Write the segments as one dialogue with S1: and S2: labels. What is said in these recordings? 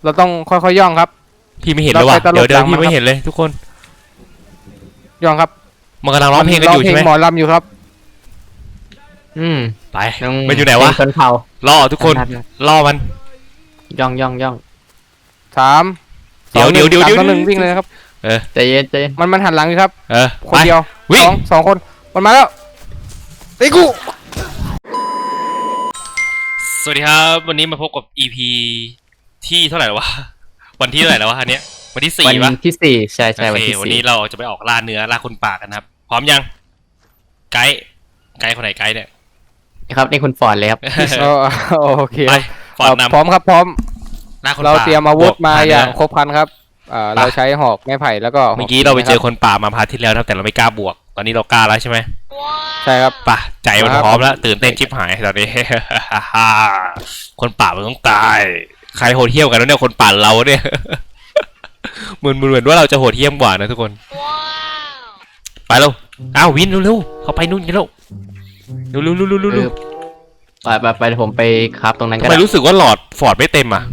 S1: เราต้องค่อยๆย่องครับ
S2: พี่ไม่เห็นเลยว่ะเดี๋ยวพี่ไม่เห็นเลยทุกคน
S1: ย่องครับ
S2: มันกำลังร้องเพลงกันอยู่ใช่ไหม
S1: หมอลำอยู่ครับ
S2: ไปมันอยู่ไหนวะ
S3: ชนเผ่า
S2: ล่อทุกคนล่อมัน
S3: ย่อง
S1: สาม
S2: เดี๋ยว
S1: หนึ่งวิ่งเลยครับ
S3: ใจเย็น
S1: มันหันหลังอยู่ครับคน
S2: ไป
S1: เดียวสองคนมันมาแล้วไอ้กู
S2: สวัสดีครับวันนี้มาพบกับ EP ที่เท่าไหร่วะวันที่เท่าไหร่แล้ววะอันเนี้ยวันที่4ป่ะ
S3: วันที่4ใช่วันที่4
S2: วันนี้เราจะไปออกล่าเนื้อล่าคนป่ากันครับพร้อมยังไกด์คนไหนไกด์เนี่ย
S3: ครับนี่คุณฟอร์ดเลยครับ
S1: โอเค
S2: ไปฟอร์ดนำ
S1: พร้อมครับพร้อม
S2: ล่าคนป่า
S1: เราเตรียมอาวุธมาอย่างครบครันครับเราใช้หอกไม้ไผ่แล้วก็
S2: เมื่อกี้เราไปเจอคนป่ามาพาร์ทที่แล้วแต่เราไม่กล้าบวกตอนนี้เรากล้าแล้วใช่ไหม
S1: ใช่ครับ
S2: ป่ะใจมันพร้อมแล้วตื่นเต้นชิบหายตอนนี้ คนป่ามันต้องตายใครโหดเหี้ยมกันแล้วเนี่ยคนป่าเราเนี่ย เหมือนว่าเราจะโหดเหี้ยมกว่านะทุกคนไปเร็วอ้าววินเร็วเข้าไปนู่นกันเร็ว
S3: ไปผมไปครับตรงนั้นกัน
S2: ทำไมรู้สึกว่าหลอดฟอร์ดไม่เต็มอ่ะ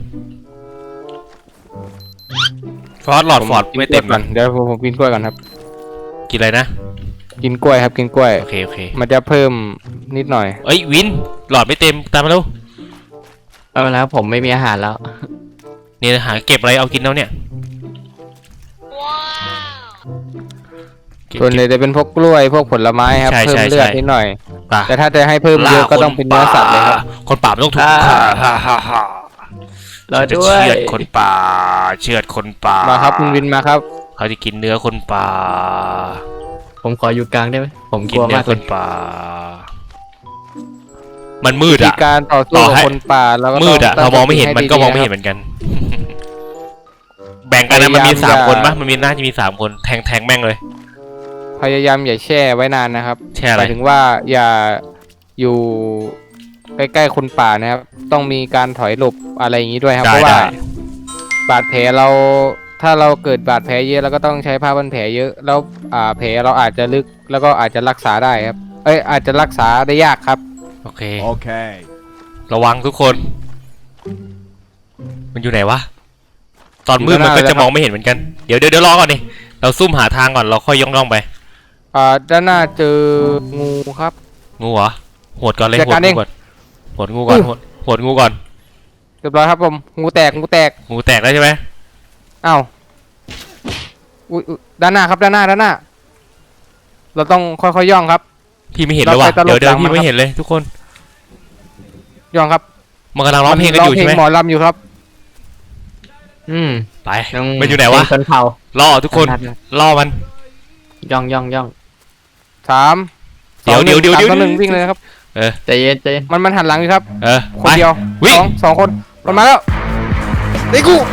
S2: หลอดฟอร์ดไม่เต็มก่อน
S1: เดี๋ยวผมกินกล้วยก่อนครับ
S2: กินอะไรนะ
S1: กินกล้วยครับกินกล้วย
S2: โอเค
S1: มันจะเพิ่มนิดหน่อย
S2: เอ้ยวินหลอดไม่เต็มตามมาเร็ว
S3: เอาแล้วผมไม่มีอาหารแล้ว
S2: เนี่ยหาเก็บอะไรเอากินแล้วเนี่ย
S1: ส่วนใหญ่จะเป็นพวกกล้วยพวกผลไม้ครับเพิ่มเลือดนิดหน่อยแต่ถ้าจะให้เพิ่มเยอะก็ต้องเป็นเนื้อสัตว์เลยครับ
S2: คนป่าต้องถูก
S3: เราจะ
S2: เชือดคนป่า
S1: มาครับคุณวินมาครับ
S2: เขาจะกินเนื้อคนป่า
S3: ผมขออยู่กลางได้ไหมผมก
S2: ลัว
S3: มาก
S2: คนป่ามันมืดอ่ะ
S1: การต่อสู้กับคนป่าแล้วก็
S2: มืดอ่ะเรามองไม่เห็นมันก็มองไม่เห็นเหมือนกันแบ่งกันนะมันมี3คนปะมันมีน่าจะมี3คนแทงแม่งเลย
S1: พยายามอย่าแช่ไว้นานนะครับ
S2: หมาย
S1: ถึงว่าอย่าอยู่ใกล้ๆคนป่านะครับต้องมีการถอยหลบอะไรอย่างนี้ด้วยครับเพราะว่าบาดแผลเราถ้าเราเกิดบาดแผลเยอะเราก็ต้องใช้ผ้าพันแผลเยอะแล้วแผลเราอาจจะลึกแล้วก็อาจจะรักษาได้ครับอาจจะรักษาได้ยากครับ
S2: โอเคระวังทุกคนมันอยู่ไหนวะตอนมืดมันก็จะมองไม่เห็นเหมือนกันเดี๋ยวรอก่อนดิเราซุ่มหาทางก่อนเราค่อยย่องไป
S1: ด้านหน้าเจองูครับ
S2: งูเหรอโหดก่อนเลยโหดงูก่อน
S1: เรียบร้อยครับผมงูแตก
S2: แล้วใช่ไหม
S1: อ้าวด้านหน้าครับด้านหน้าเราต้องค่อยๆย่องครับ
S2: พี่ไม่เห็นเลยว่ะเดี๋ยวพี่ไม่เห็นเลยทุกคน
S1: ย่องครับ
S2: มันกำลังร้องเพลงกันอยู่ใช่ไหม
S1: หมอลำอยู่ครับ
S2: ไปมันอยู่ไหนวะ
S3: ชนเผ่า
S2: ล่อทุกคนล่อมัน
S3: ย่อง
S1: 3 2 1วิ่งเลยครับ
S3: ใจเย็น
S1: มันหันหลังอยู่ครับคนเดียวสองคนมันมาแล้วไอ้กู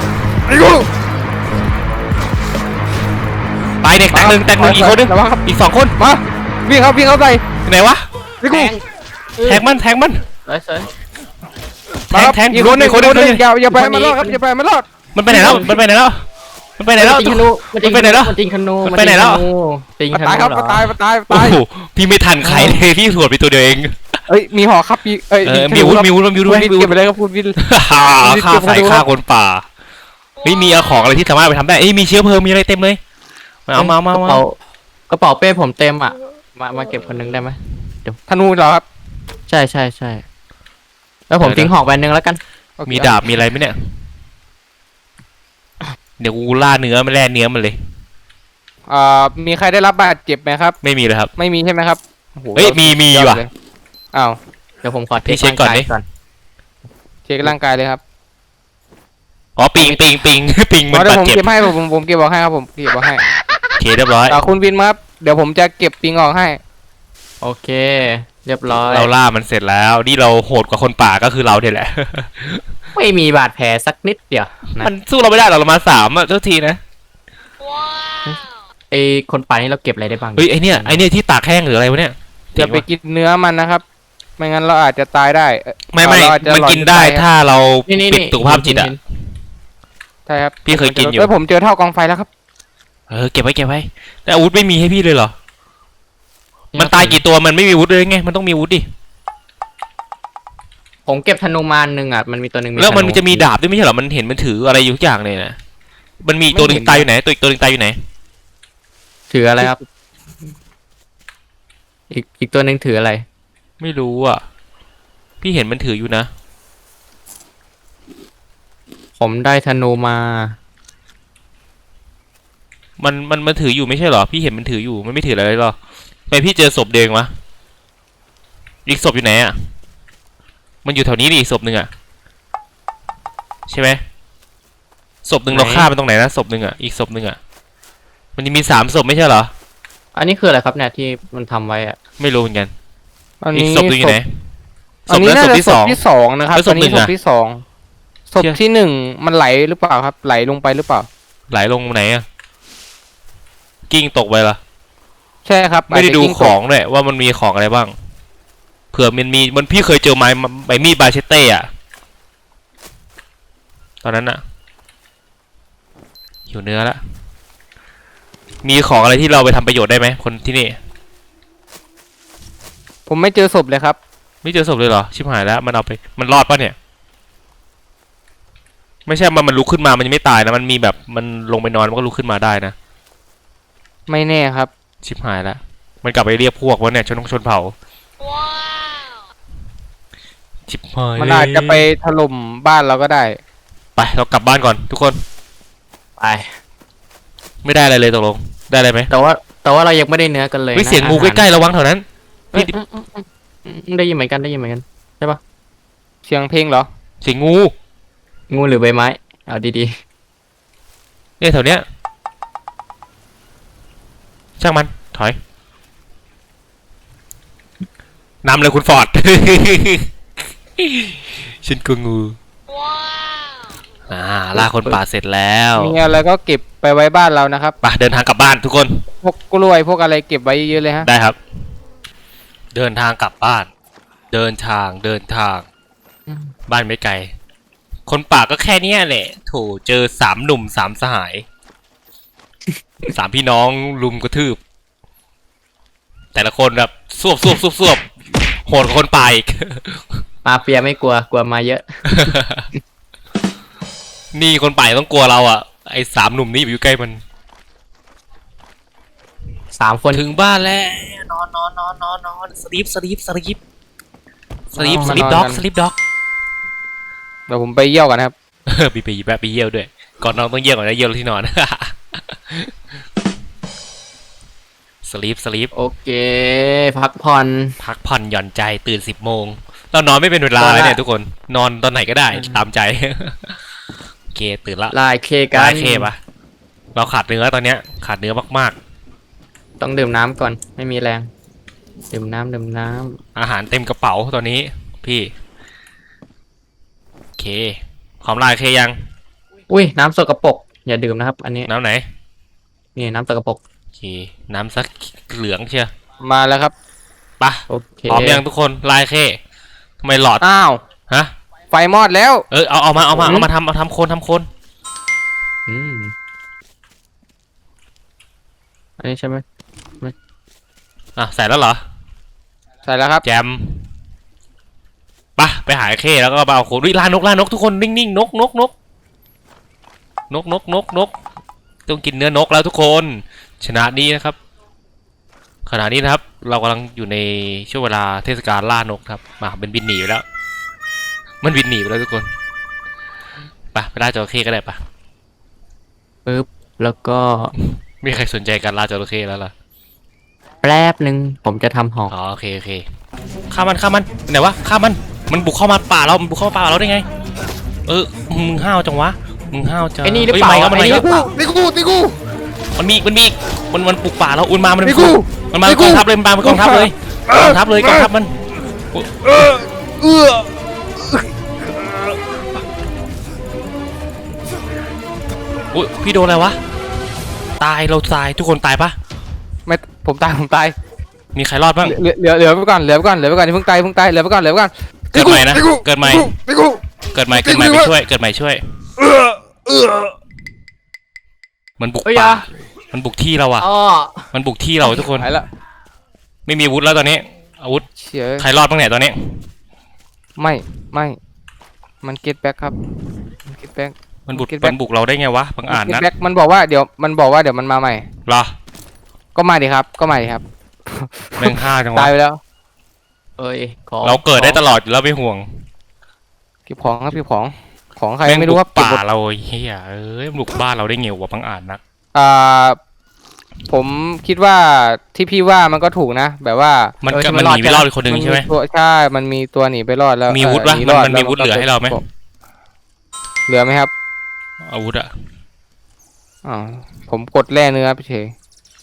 S2: ตายเด็กแตกหนึ่งอีกคนนึงอีก2คน
S1: มาวิ่งเข้าใส่
S2: ไหนวะ
S1: ไอ้กู
S2: แทงมัน
S3: สวย
S2: แทง
S1: อีกคนนึงอย่าไปมันรอดครับอย่าไปมันรอด
S2: มันไปไหนแล้วมันไปไหนแล้ว
S3: มันไปไหนแล้วจริงขนู
S2: ไปไหนแล้ว
S1: ตายครับตาย
S2: โอ้โหพี่ไม่ทันใครเลยพี่สวดไปตัวเดียวเอง
S1: มีหอครับ
S2: มีวุ้นด้วย
S1: เก็บไปเลยครับพูดวิน
S2: ฆ่าคนป่าไม่มีของอะไรที่สามารถไปทำได้มีเชื้อเพลิงมีอะไรเต็มเลยม
S3: ากระเป๋าเป้ผมเต็มอ่ะมาเก็บคนนึงได้ไหม
S1: เดี๋ยวธนูเหรอครับ
S3: ใช่แล้วผมทิ้งหอกไปนึงแล้วกัน
S2: มีดาบมีอะไรไหมเนี่ยเดี๋ยวกูล่าเนื้อมาแล่เนื้อมันเลย
S1: มีใครได้รับบาดเจ็บไหมครับ
S2: ไม่มีเลยครับ
S1: ไม่มีใช่ไหมครับ
S2: เฮ้ยมีว่ะ
S1: อ้าว
S3: เดี๋ยวผมขอ
S2: เช็คก่อน
S1: เช็คร่างกายเลยครับ
S2: ปิง
S1: มันบาดเจ็บผมเก็บให้ผมเก็บบอกให้ครับผมเก็บบอกให้
S2: โอเคเรียบร้อย
S1: คุณวินครับเดี๋ยวผมจะเก็บปิงออกให้
S3: โอเคเรียบร้อย
S2: เราล่ามันเสร็จแล้วนี่เราโหดกว่าคนป่าก็คือเราเนี่ยแหละ
S3: ไม่มีบาดแผลสักนิดเดียว
S2: มันสู้เราไม่ได้เรามา3อ่ะเท่าทีนะ
S3: ไอคนป่านี่เราเก็บอะไรได้บ้าง
S2: ไอเนี่ยที่ตากแห้งหรืออะไรวะเนี่ย
S1: อย่าไปกินเนื้อมันนะครับไม่งั้นเราอาจจะตายได้
S2: ไม่มันกินได้ถ้าเราปิดสุขภาพจิตอ่ะ
S1: ใช่ครับ
S2: พี่เคยกินอยู่
S1: ผมเจอเท่ากองไฟแล้วครับ
S2: เก็บไว้แต่อาวุธไม่มีให้พี่เลยเหรอมันตายกี่ตัวมันไม่มีอาวุธเลยไงมันต้องมีอาวุธดิ
S3: ผมเก็บธนูมาอันหนึ่งอ่ะมันมีตัวหนึ่ง
S2: แล้วมัน
S3: ธ
S2: จะมีดาบด้วยไม่ใช่เหรอมันเห็นมันถืออะไรอยู่ทุกอย่างเลยนะมันมีตัวหนึ่งตายอยู่ไหนตัวอีกตัวหนึ่งตายอยู่ไหน
S3: ถืออะไรครับ อีกตัวหนึ่งถืออะไร
S2: ไม่รู้อ่ะพี่เห็นมันถืออยู่นะ
S3: ผมได้ธนูมา
S2: มันถืออยู่ไม่ใช่เหรอพี่เห็นมันถืออยู่มันไม่ถืออะไรหรอทำไมพี่เจอศพเดงวะอีกศพอยู่ไหนอ่ะมันอยู่แถวนี้ดิศพหนึ่งอ่ะใช่ไหมศพหนึ่ง
S3: ไหน
S2: เราฆ่ามันตรงไหนนะศพหนึ่งอ่ะอีกศพหนึ่งอ่ะมันจะมี3 ศพไม่ใช่เหรอ
S3: อันนี้คืออะไรครับเนี่ยที่มันทำไว้อ่ะ
S2: ไม่รู้เหมือนกัน
S1: อัน
S2: อีก
S1: นี้
S2: ศพหนึ่งอยู่ไหนศ
S1: อัน
S2: พ
S1: นี้
S2: นั้น
S1: น่า
S2: ศพ
S1: จะ
S2: ที่
S1: ศ
S2: ส
S1: พ
S2: อง
S1: ที่สองนะครับ
S2: แล้วศ
S1: อั
S2: พ
S1: น
S2: หนึ่
S1: นี้
S2: ง
S1: ศ
S2: อะ
S1: พที่สองศพ
S2: เชี่ย
S1: ที่หนึ่งมันไหลหรือเปล่าครับ ไหลลงไปหรือเปล่า
S2: ไหลลงไหนอ่ะกิ้งตกไปละ
S1: ใช่ครับ
S2: ไม่ได้ดู
S1: าจจะกิ้
S2: ข
S1: ต
S2: อก งเลยว่ามันมีของอะไรบ้างเผื่อมันมีมันพี่เคยเจอไม้ใบมีดบาเชเต้อะตอนนั้นอะหิวเนื้อละมีของอะไรที่เราไปทำประโยชน์ได้ไหมคนที่นี่
S1: ผมไม่เจอศพเลยครับ
S2: ไม่เจอศพเลยเหรอชิบหายแล้วมันเอาไปมันรอดปะเนี่ย ไม่ใช่มันลุกขึ้นมามันยังไม่ตายนะมันมีแบบมันลงไปนอนมันก็ลุกขึ้นมาได้นะ
S1: ไม่แน่ครับ
S2: ชิบหายแล้วมันกลับไปเรียกพวกวะเนี่ยชนเผ่าชิบหาย
S1: มันอาจจะไปถล่มบ้านเราก็ได้
S2: ไปเรากลับบ้านก่อนทุกคน
S3: ไป
S2: ไม่ได้อะไรเลยตกลงได้อะไรไหม
S3: แต่ว่าเรายังไม่ได้เนื้อกันเลย
S2: เฮ้ย
S3: นะ
S2: เสียงงูใกล้ๆระวังแถวนั้น
S3: ๆได้ยินเหมือนกันได้ยินเหมือนกัน
S1: เสียงเพลงเหรอ
S2: เสียงงู
S3: งูหรือใบไม้เอาดี
S2: เนี่ยแถวเนี้ยช่างมันถอยนำเลยคุณฟอร์ด ฉันก็งูล่าคนป่าเสร็จแล้ว
S1: มีอะไรก็เก็บไปไว้บ้านเรานะครับ
S2: ไปเดินทางกลับบ้านทุกคน
S1: พวกกล้วยพวกอะไรเก็บไว้เยอะๆเลยฮะ
S2: ได้ครับ เดินทางกลับบ้าน เดินทางบ้านไม่ไกล คนป่าก็แค่เนี้ยแหละโถเจอ3 หนุ่ม3 สหาย 3 พี่น้องลุมกระทืบ แต่ละคนแบบสวบโหดกว่าคนป่าอีก
S3: ๆมาเฟียไม่กลัวมาเยอะ
S2: นี่คนป่าต้องกลัวเราอ่ะไอ้3 หนุ่มนี่อยู่ใกล้มัน
S3: 3 คน
S2: ถึงบ้านแล้วนอนสลีปด็อก
S1: เดี๋ยวผมไปเยี่ยวกันนะครับ
S2: มีไปแวะไปเยี่ยวด้วย ก่อนนอนต้องเยี่ยวก่อนนะเยี่ยวที่นอน สลีป
S3: โอเค พักผ่อน
S2: พักผ่อนหย่อนใจตื่น10 โมงเรานอนไม่เป็นเวลาเลยเนี่ยทุกคนนอนตอนไหนก็ได้ตามใจ โอเคตื่นละ
S3: ลายเคกัน
S2: ได้เคปะเราขาดเนื้อตอนเนี้ยขาดเนื้อมาก
S3: ต้องดื่มน้ำก่อนไม่มีแรง ดื่มน้ำ
S2: ๆอาหารเต็มกระเป๋าตอนนี้พี่โอเคพร้อมลายเคยัง
S3: อุ้ยน้ำสกปรกอย่าดื่มนะครับ อันนี้
S2: น้ำไหน
S3: นี่น้ำสกปรก
S2: โอเคน้ำสักเหลืองเชียว
S1: มาแล้วครับ
S2: ปะ
S3: โอเค
S2: พร้อมยังทุกคนลายเคทำไมหลอด
S1: อ้าว
S2: ฮะ
S1: ไฟมอดแล้ว
S2: เอามาทำโคน
S3: อืมอันนี้ใช่ไหม
S2: อ่ะใส่แล้วเหรอ
S1: ใส่แล้วครับ
S2: แจมไปหาไอ้เคแล้วก็ไปเอาโคนวิล่านกทุกคนนิ่งๆนกต้องกินเนื้อนกแล้วทุกคนชนะนี้นะครับขณะนี้นะครับ เรากำลังอยู่ในช่วงเวลาเทศกาลล่านกครับมาเป็นบินหนีไปแล้ว มันบินหนีไปแล้วทุกคนไปล่าจระเข้ก็ได้ปะ
S3: ปึ๊บแล้วก็
S2: ไม่มีใครสนใจการล่าจระเข้แล้วล่ะ
S3: แป๊บหนึ่งผมจะทำหอก
S2: อ๋อโอเคฆ่ามันไหนวะฆ่ามันบุกเข้ามาป่าเรามันบุกเข้ามาป่าเราได้ไงมึงห้าวจังวะมึงห้าวจัง
S3: ไอ้นี่หรือเปล่า
S2: มัน
S3: ไอ้นี่ห
S2: ก็
S3: รือเปล่า
S1: ตีกู
S2: มันมีอีกมันปลุกป่าแล้วมัน
S1: ตีกู
S2: มันมากองทัพเลยมันมากองทัพเลยกองทัพมัน
S1: เอื้อ
S2: อุ้ยพี่โดนอะไรวะตายเราตายทุกคนตายปะ
S1: ไม่ผมตาย
S2: มีใครรอดบ้าง
S1: เหลือไปก่อนอย่าเพิ่งตายเหลือไปก่อน
S2: เกิดใหม่นะเกิดใหม่
S1: ตีกู
S2: เกิดใหม่ไปช่วยเกิดใหม่ช่วยมันบุกป่ามันบุกที่เราอะ
S3: อ๋อ
S2: มันบุกที่เราทุกคน
S1: หายละ
S2: ไม่มีอาวุธแล้วตอนนี้อาวุธ
S1: เชี่ย
S2: ใครรอดบ้างเนี่ยตอนนี้
S1: ไม่ไม่มัน get back ครับมัน get back
S2: มันบุก
S1: Get back
S2: มันบุกเราได้ไงวะบังอาจ
S1: get
S2: นะ
S1: back มันบอกว่าเดี๋ยวมันมาใหม่
S2: เหรอ
S1: ก็มาดิครับก็มาดิครับ
S2: แม่งฆ่าจังวะ
S1: ตายไปแล้ว
S3: เอ้ยของ
S2: เราเกิดได้ตลอดอยู่แล้วไม่ห่วง
S1: เก็บของครับเก็บของใคร
S2: แม่ง
S1: ไม่
S2: บุ
S1: รู้
S2: ก
S1: ว่าเก็บ
S2: ป่า
S1: หมด
S2: เราเฮียเอ้ยบุกบ้านเราได้ไงวะบังอาจนัก
S1: อ่าผมคิดว่าที่พี่ว่ามันก็ถูกนะ แบบว่า
S2: มันก็มันหนีไปรอดอีกคนหนึ่งใช่ไหม
S1: ตัวใช่มันมีตัวหนีไปรอดแล้ว
S2: มีวุฒิปะ
S1: หรอด
S2: มันมีวุฒิเหลือให้เราไหม
S1: เหลือไหมครับ
S2: อาวุธอะ
S1: อ๋อผมกดแร่เนื้อพี่เฉย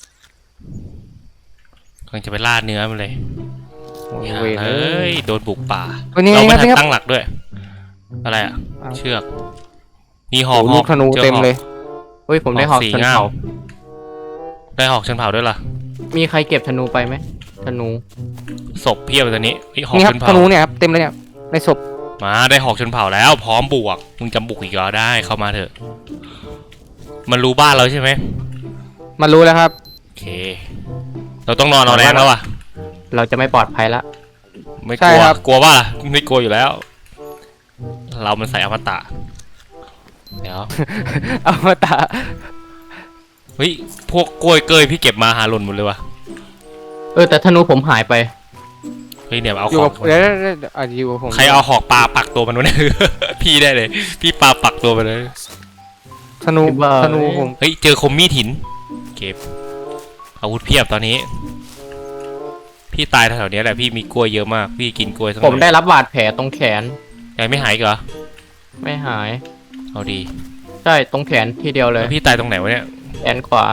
S2: กำลังจะไปล่าเนื้อมันเลย
S1: โอ้ย
S2: อย่า
S1: เวร
S2: เฮ้ยโดนบุกป่า
S1: วันนี้
S2: เราไม่
S1: ครับ
S2: ทัน
S1: นี่ครับ
S2: ตั้งหลักด้วย อะไรอะ
S1: อ้าว
S2: เชือกมีหอก
S1: โอ้ลูกธนู
S2: จอ
S1: เต็มเลย
S3: เฮ้ยผมได้หอก
S2: สี
S3: ชน
S2: ง่าม
S3: เผ่า
S2: ได้หอกชนเผ่าด้วยล่ะ
S3: มีใครเก็บธนูไปไหมธนู
S2: ศพเพียบเลยตอนนี้เฮ้ยหอก
S1: นี่ค
S2: ช
S1: รับ
S2: น
S1: ธ
S2: เผ่า
S1: นูเนี่ยครับเต็มเลยเนี่ยในศพ
S2: มาได้หอกชนเผ่าแล้ว พร้อมบวกมึงจำบุกอีกเหรอได้เข้ามาเถอะ มันรู้บ้านเราใช่ไหม
S1: มันรู้แล้วครับ
S2: โอเค เราต้องนอนเอาแรงแล้วอ่ะ
S3: เราจะไม่ปลอดภัยละ
S2: ไม่ก
S1: ใช่
S2: ลัว
S1: ครับ
S2: กลัวว่าไม่กลัวอยู่แล้ว เรามันใส่อมตะเดี๋ยว
S1: เอามาตา
S2: เฮ้ยพวกกล้วยเกยพี่เก็บมาหาหล่นหมดเลยวะ
S3: แต่ธนูผมหายไป
S2: เฮ้ยเนี่ยเอา
S1: อยู่
S2: ขอ
S1: กั
S2: ง
S1: บเดี๋ยวอยู่กับผม
S2: ใครเอาหอกปลาปักตัวมันวะเนี่ย พี่ได้เลย พี่ปลาปักตัวไปเลย
S1: ธนู
S3: คิดว่า
S1: ธนูผม
S2: เฮ้ยเจอคมมีดหิน เก็บอาวุธเพียบตอนนี้ พี่ตายแถวๆเนี้ยแหละพี่มีกล้วยเยอะมาก พี่กินกล้วยทั้งห
S3: ผม มได้รับบาดแผลตรงแขน
S2: ยังไม่หายอีกเหรอ
S3: ไม่หาย
S2: เอาดี
S3: ใช่ตรงแขนทีเดียวเลย
S2: แล้วพี่ตายตรงไหนวะเนี่ย
S3: แขนขวา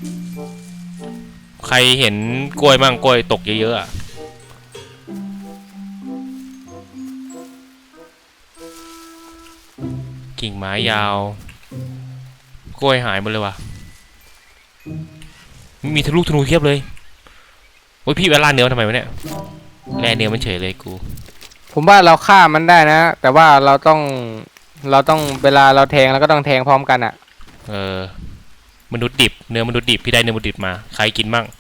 S2: ใครเห็นกล้วยมั่งกล้วยตกเยอะๆอะกิ่งไม้ยาว กล้วยหายหมดเลยว่ะ มีทะลุธนูเทียบเลยโอ้ยพี่เวลาเนื้อทำไมวะเนี่ยแร่เนื้อมันเฉยเลยกู
S1: ผมว่าเราฆ่ามันได้นะ แต่ว่าเราต้องเวลาเราแทงเราก็ต้องแทงพร้อมกันอ่ะ
S2: มนุษย์ดิบเนื้อมนุษย์ดิบพี่ได้เนื้อมนุษย์ดิบมาใครกินมั่ง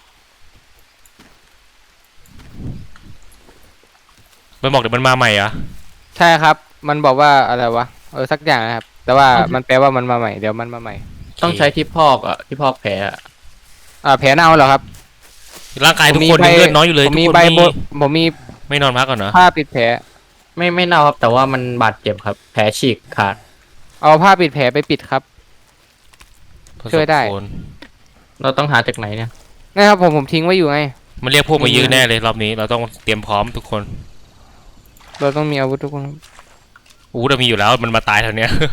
S2: มันบอกเดี๋ยวมันมาใหม่เหรอ
S1: ใช่ครับ มันบอกว่าอะไรวะสักอย่างนะครับ แต่ว่ามันแปลว่ามันมาใหม่เดี๋ยวมันมาใหม่
S3: ต้องใช้ที่พอกที่พอกแผลอะ
S1: แผลเน่าเหรอครับ
S2: ร่างกายทุกคนยังเลือดน้อยอยู่เลย
S1: ผม
S2: ทุก
S1: มี
S2: คน
S1: ใบ
S2: ไม่
S1: ผมมี
S2: ไม่นอนพักก่อนเหรอ
S1: ผ้าปิดแผล
S3: ไม่เน่าครับ แต่ว่ามันบาดเจ็บครับ แผลฉีกขาด
S1: เอาผ้าปิดแผลไปปิดครับ ช่วยได้
S2: ผสมโคน
S3: เราต้องหาจากไหนเนี่ย
S1: นะครับผมทิ้งไว้อยู่ไง
S2: มันเรียกพวกมายื้อแน่เลยรอบนี้เราต้องเตรียมพร้อมทุกคน
S1: เราต้องมีอาวุธทุกคนครับ
S2: อู้เรามีอยู่แล้วมันมาตายแถวเนี้ย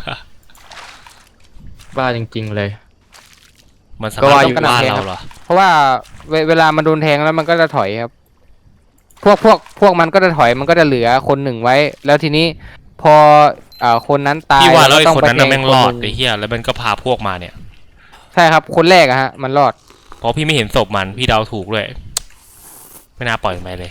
S3: บ้าจริง ๆ เลย
S2: มันสา
S3: ก็
S2: มาร
S3: ว่า
S2: ถ
S3: อยู่
S2: ต้องว่าเราเหรอ
S1: เพราะว่าเวลามันโดนแทงแล้วมันก็จะถอยครับ พวกมันก็จะถอยมันก็จะเหลือคนหนึ่งไว้ แล้วทีนี้พอคนนั้นตาย
S2: พี่ว่าแล้วไอ้
S1: ก็ต้
S2: คนนั้นน่ะ
S1: ไป
S2: แม่ง
S1: ท
S2: รอด
S1: หนึ่
S2: ไอ้เหี้ยแล้วมันก็พาพวกมาเนี่ย
S1: ใช่ครับ คนแรกอะฮะ มันรอด
S2: เพราะพี่ไม่เห็นศพมันพี่เดาถูกด้วยไม่น่าปล่อยมันไปเลย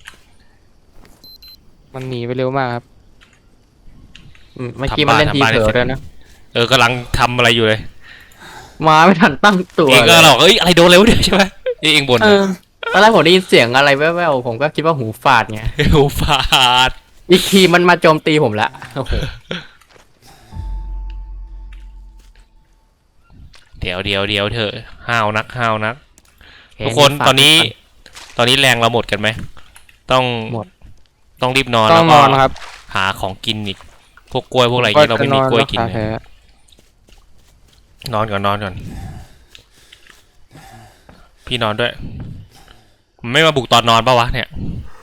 S1: มันหนีไปเร็วมากครับ
S3: เมื่อกี้มันเล่นทีเผลอด้วยนะ
S2: กำลังทำอะไรอยู่เลย
S3: มาไม่ทันตั้งตัว
S2: เองก็
S3: เลย
S2: หรอกเอ้ยอะไรโดนเลยวะเนี่ยใช่ไหมเองบ่น
S3: เออตอนแรกผมได้ยินเสียงอะไรแว่วๆผมก็คิดว่าหูฝาดไง
S2: โอ้ฟาด
S3: อีกทีมันมาโจมตีผมละโอ้โห
S2: เดี๋ยวเถอะห้าวนักทุกคนตอนนี้แรงเราหมดกันไหมต้อง
S3: หมด
S2: ต้องรีบนอน
S1: ต้
S2: แล้
S1: อง
S2: วน ก็
S1: อนครับ
S2: หาของกินอีกพวกกล้วยพวกอะไรอย่างเงี้ยเราไม่มีกล้วยกิน
S1: จะ
S2: เลย นอนก่อนพี่นอนด้วยมันไม่มาบุกตอนนอนปะวะเนี่ย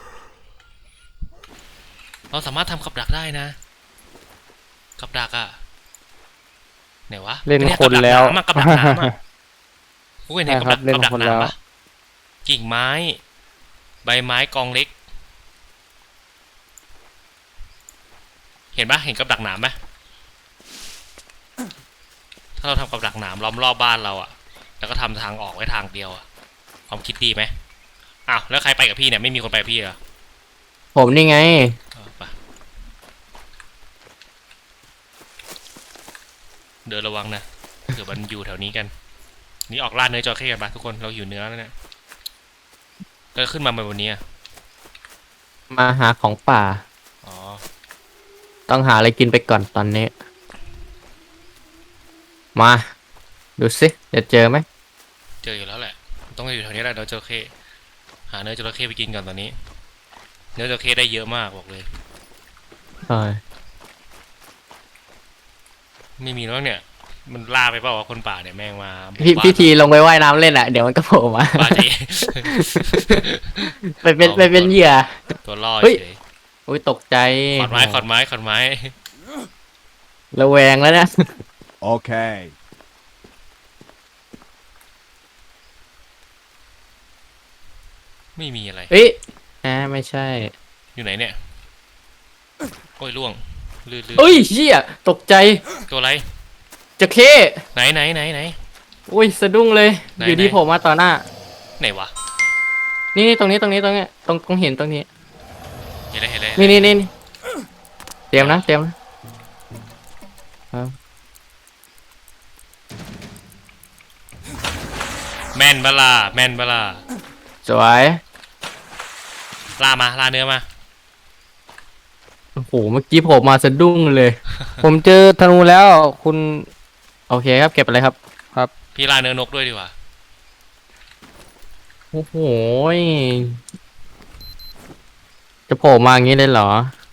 S2: เราสามารถทำกับดักได้นะกับดักอะไหนวะ
S1: เล่นคนแล้ว
S2: กับดักน้ำอะกูเห็นกับดัก
S1: เล่น
S2: กับดัก
S1: คนแล้ว
S2: น้ำปะกิ่งไม้ ใบไม้กองเล็ก เห็นปะเห็นกับดักหนามไหมถ้าเราทำกับดักหนามล้อมรอบบ้านเราอะแล้วก็ทำทางออกไว้ทางเดียวอะความคิดดีไหมอ้าวแล้วใครไปกับพี่เนี่ยไม่มีคนไปกับพี่เหรอ
S3: ผมนี่ไง
S2: ไปเดินระวังนะเผื่อมันอยู่แถวนี้กัน นี่ออกล่าเนื้อจระเข้กันปะทุกคนเราหิวเนื้อแล้วเนี่ยแล้วขึ้นมาบนนี้อะ
S3: มาหาของป่า
S2: อ๋อ
S3: ต้องหาอะไรกินไปก่อนตอนนี้ มาดูสิจะเจอไหม
S2: เจออยู่แล้วแหละต้องอยู่แถวนี้แหละเนื้อจระเข้หาเนื้อจระเข้ไปกินก่อนตอนนี้ เนื้อจระเข้ได้เยอะมากบอกเลย
S3: ใช่
S2: ไม่มีแล้วเนี่ย มันล่าไปเปล่าวะคนป่าเนี่ยแม่งมาบุก
S3: พี่
S2: บ้าน
S3: พี่ทีลงไปว่ายน้ำเล่นอ่ะเดี๋ยวมันก็โผล่มา
S2: บ้าจี
S3: ไปเป็นเหยื่อ
S2: ตัวล่อ
S3: เฮ้ย
S2: เฉย
S3: อุ้ยตกใจ
S2: ขอนไม้ขอนไม้ขอนไม้
S3: ระแวงแล้วเนี่ย
S4: Okay.
S2: ไม่มีอะไร
S3: เอ้ยไม่ใช่
S2: อยู่ไหนเนี่ยโอ้ยล่วงลื่น
S3: เอ้ยเชี่ยตกใจ
S2: ตัวอะไร
S3: จะเข้
S2: ไหน
S3: อุ้ยสะดุ้งเลย
S2: ไหน
S3: อยู่ดี
S2: ไหน
S3: โผล่มาต่อหน้า
S2: ไหนวะ
S3: นี่ตรงนี้ตรงเห็นตรงนี้
S2: เห็นเลย
S3: นี่เตรียมนะ
S2: แม่นบลาแม่นบลา
S3: สวย
S2: ล่าเนื้อมา
S3: โอ้โหเมื่อกี้โผล่มาสะดุ้งเลย
S1: ผมเจอธนูแล้วคุณ
S3: โอเคครับเก็บอะไรครับ
S2: พี่ล่าเนื้อนกด้วยดีกว่า
S3: โอ้โหยจะโผล่มาอย่างนี้เลยเหรอ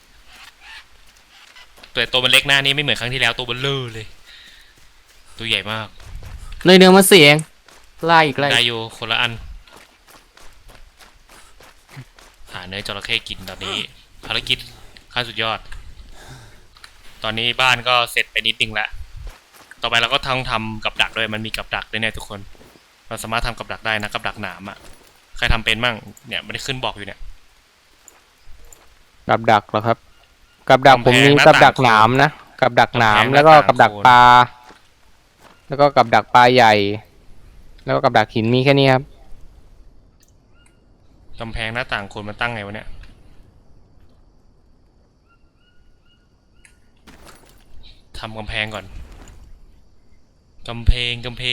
S2: ตัวมันเล็กหน้านี่ไม่เหมือนครั้งที่แล้วตัวเบลเลอร์เลย ตัวใหญ่มาก
S3: เนื้อมาเสียงไล่อีกไล่
S2: ได้อยู่คนละอัน หาเนื้อจระเข้กินตอนนี้ภารกิจขั้นสุดยอด ตอนนี้บ้านก็เสร็จไปนิดนึงแล้วต่อไปเราก็ทำกับดักด้วยมันมีกับดักด้วยเนี่ยทุกคนเราสามารถทำกับดักได้นะกับดักหนามอ่ะใครทำเป็นมั่งเนี่ยไม่ได้ขึ้นบอกอยู่เนี่ย
S1: กับดักเหรอครับ กับดักผมมี
S2: กำแพงหน้า
S1: กับดัก
S2: ต่าง
S1: หนามนะกับดักหนาม
S2: กำแพง
S1: แล้วก็
S2: หน้าต่าง
S1: กับดัก
S2: โคน
S1: ปลาแล้วก็กับดักปลาใหญ่ แล้วก็กับดักหินมีแค่นี้ครับ
S2: กำแพงหน้าต่างคนมันตั้งไงวะเนี่ยทำกำแพงก่อนกำแพงทำ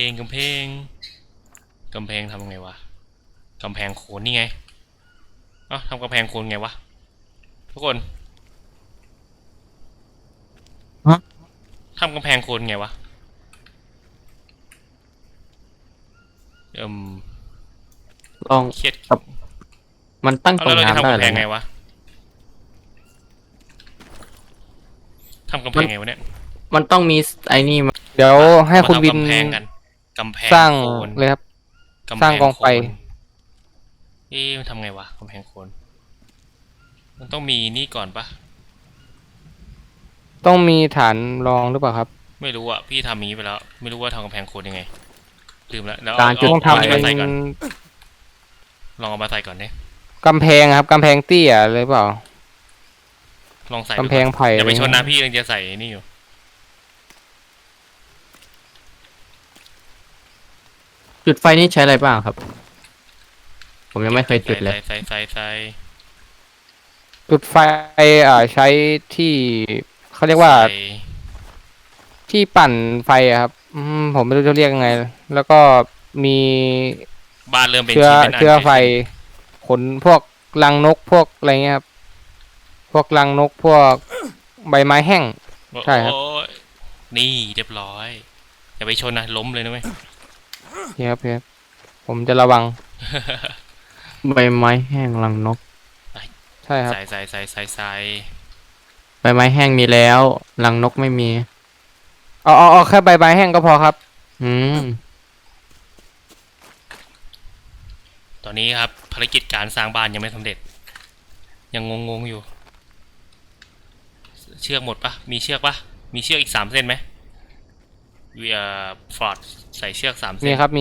S2: ไงวะกำแพงโขนนี่ไงเอ้าทำกำแพงโขนไงวะทุกคนทำกำแพงโขนไงวะ
S3: ลอง
S2: เครียด
S3: มันตั้ง
S2: เอา
S3: ตร
S2: แล้ว
S3: ง
S2: เราจะ
S3: น้ำ
S2: ทำ
S3: ได้
S2: กำ
S3: เล
S2: แพ
S3: ย
S2: งไง
S3: นะ
S2: วะทำกำแพงไงวะเนี่ย
S3: มันต้องมีไอ้นี่มา
S1: เดี๋ยวให้คุณ
S2: มาทำ
S1: วิน
S2: กำแพงกันกำแพง
S1: สร้าง
S2: โคน
S1: เลยครับ
S2: กำแพ
S1: สร้างกองไฟ
S2: โคนมันทำไงวะกำแพงโคนมันต้องมีนี่ก่อนปะ
S1: ต้องมีฐานรองหรือเปล่าครับ
S2: ไม่รู้อ่ะพี่ทำอย่างนี้ไปแล้ว ไม่รู้ว่าทำกำแพงโคนยังไงลืมแล้วแล้ว
S3: การจุด
S1: ต้อง
S2: เอา
S1: ทำ
S2: นี่
S1: เป็
S2: มาน ใส่ก่อน
S1: น
S2: ลองเอามาใส่ก่อนเนี่ย
S1: กำแพงครับกำแพงเตี้ยเลยเปล่า
S2: ลองใส่ดู
S1: กำแพงไผ่
S2: อย่าไปชน
S1: อะไร
S2: นะ
S1: เงี้ย
S2: พี่ยังจะใส่นี่อยู่
S3: จุดไฟนี่ใช้อะไรบ้างครับ ผมยังไม่เคยจุดเลย
S2: ใส่
S1: จุดไฟใช้ที่เขาเรียกว่า
S2: ใส่
S1: ที่ปั่นไฟอะครับผมไม่รู้จะเรียกยังไง แล้วก็มี
S2: บ้านเริ่มเป็น
S1: เชื้อ
S2: ชิ้นเป็นอัน
S1: เชื้อไฟขนพวกรังนกพวกอะไรเงี้ยครับ พวกรังนกพวกใบไม้แห้ง ใช่ครับ
S2: โอ้ยนี่เรียบร้อยอย่าไปชนนะล้มเลยนะเว้ย
S1: นี่ครับพี่ครับผมจะระวัง
S3: ใบไม้แห้งรังนก
S1: ใช่ครับ
S2: ใส่
S3: ใบไม้แห้งมีแล้วรังนกไม่มี
S1: เอาแค่ใบไม้แห้งก็พอครับ
S3: อืม
S2: ตอนนี้ครับภารกิจการสร้างบ้านยังไม่สำเร็จ ยังงงอยู่ เชือกหมดปะมีเชือกปะมีเชือกอีก3 เส้นไหมฟอร์ดใส่เชือก3 เส้
S1: มี
S2: น
S1: ครับมี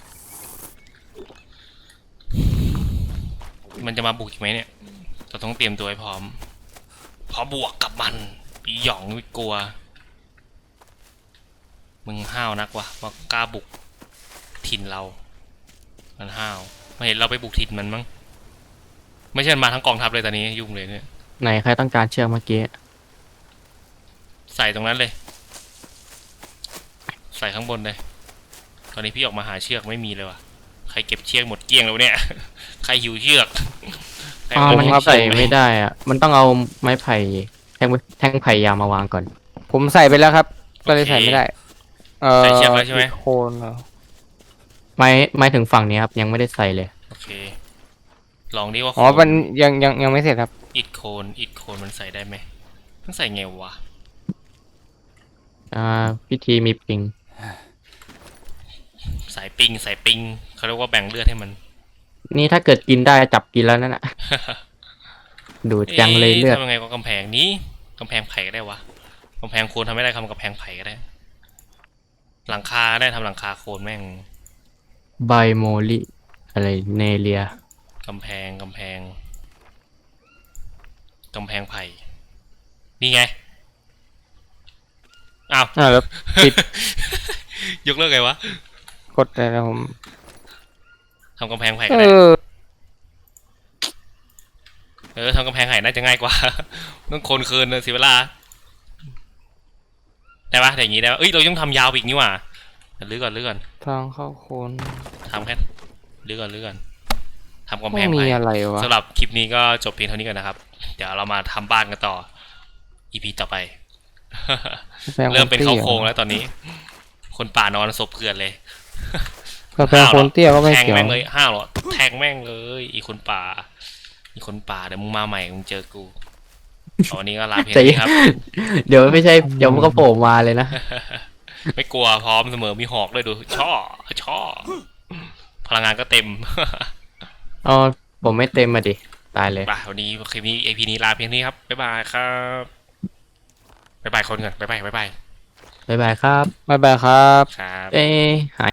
S2: มันจะมาบุกอีกไหมเนี่ยเราต้องเตรียมตัวให้พร้อมพอบวกกับมันปีหยองไม่กลัวมึงห้าวนักวะว่ากล้าบุกถิ่นเรามันห้าวมาเห็นเราไปบุกถิ่นมันมั้งไม่ใช่มันมาทั้งกองทัพเลยตอนนี้ยุ่งเลยเนี่ย
S3: ไหนใครต้องการเชือกเมื่อกี้
S2: ใส่ตรงนั้นเลย ใส่ข้างบนเลย ตอนนี้พี่ออกมาหาเชือกไม่มีเลยว่ะ ใครเก็บเชือกหมดเกลี้ยงแล้วเนี่ย ใครหิวเชือกใคร
S3: อ๋อ
S2: เอา
S3: มัน
S2: ไป
S3: ใส่ไม่ได้อ่ะ มันต้องเอาไม้ไผ่แท่งไผ่ยาวมาวางก่อน
S1: ผมใส่ไปแล้วครับ ก็เลยใส่ไม่ได้
S2: ใส่เชือกแล้วใช่ไหม
S1: โคนเหรอ
S3: ไม่ถึงฝั่งนี้ครับยังไม่ได้ใส่เลย
S2: โอเค ลองดิว่า
S1: อ๋อมันยังไม่เสร็จครับ
S2: อิดโคนมันใส่ได้ไหมมันใส่ไงวะ
S3: พิธีมีปิง
S2: สายปิงเขาเรียกว่าแบ่งเลือดให้มัน
S3: นี่ถ้าเกิดกินได้จับกินแล้วนั่นน่ะ ดูดจังเลยเลือด
S2: ทำยังไงกับกำแพงนี้กำแพงไผ่ก็ได้วะกำแพงโคนทำไม่ได้ทำกำแพงไผ่ก็ได้ หลังคาได้ทำหลังคาโคนแม่ง
S3: ไบโมลิอะไรเนเลีย
S2: กำแพงไผ่นี่ไงอ้าว
S1: แล้วปิด
S2: ยกเลิกไงวะ
S1: กดได้แล้วผม
S2: ทำกำแพงไผ่
S1: เอ
S2: ก็ได้
S1: อ
S2: ทำกำแพงไผ่น่าจะง่ายกว่า ต้องโคนคืนนะเสียเวลาได้ปะแต่อย่างงี้ได้ปะเอ้ยเราต้องทำยาวไปอีกนี่หว่าลื้อก่อน
S1: ทางเข้าโคน
S2: ทำแค่ลื้อก่อนทำกำแพ
S1: ไม่
S2: ง
S1: มี
S2: ไผ่
S1: อะไรวะ
S2: สำหรับคลิปนี้ก็จบเพียงเท่านี้ก่อนนะครับ เดี๋ยวเรามาทำบ้านกันต่อ EP ต่อไป เริ่มเป็นเขาโครงแล้วตอนนี้ คนป่านอนศพเกลื่อนเลย
S1: กาแฟโคนเตี้ยก็ไม่
S2: แทง
S1: เกี่ยว
S2: แม่งเลยห้าวเหรอแทงแม่งเลย อีคนป่าเดี๋ยวมึงมาใหม่มึงเจอกูวันนี้ก็ลาเพียง
S3: ใจ
S2: นี้ครับ
S3: เดี๋ยวไม่ใช่เดี๋ยวมันก็โผล่มาเลยนะ
S2: ไม่กลัวพร้อมเสมอมีหอกด้วยดูช่อพลังงานก็เต็ม
S3: อ๋อผมไม่เต็มมาดิ ตายเลย
S2: ไปวันนี้คลิปนี้ EP นี้ลาเพียงนี้ครับบ๊ายบายครับบ๊ายบายคนก่อนบ๊ายบาย
S3: บ๊ายบายครับ
S1: บ๊ายบายครับ
S2: ครับ
S3: เอ้หาย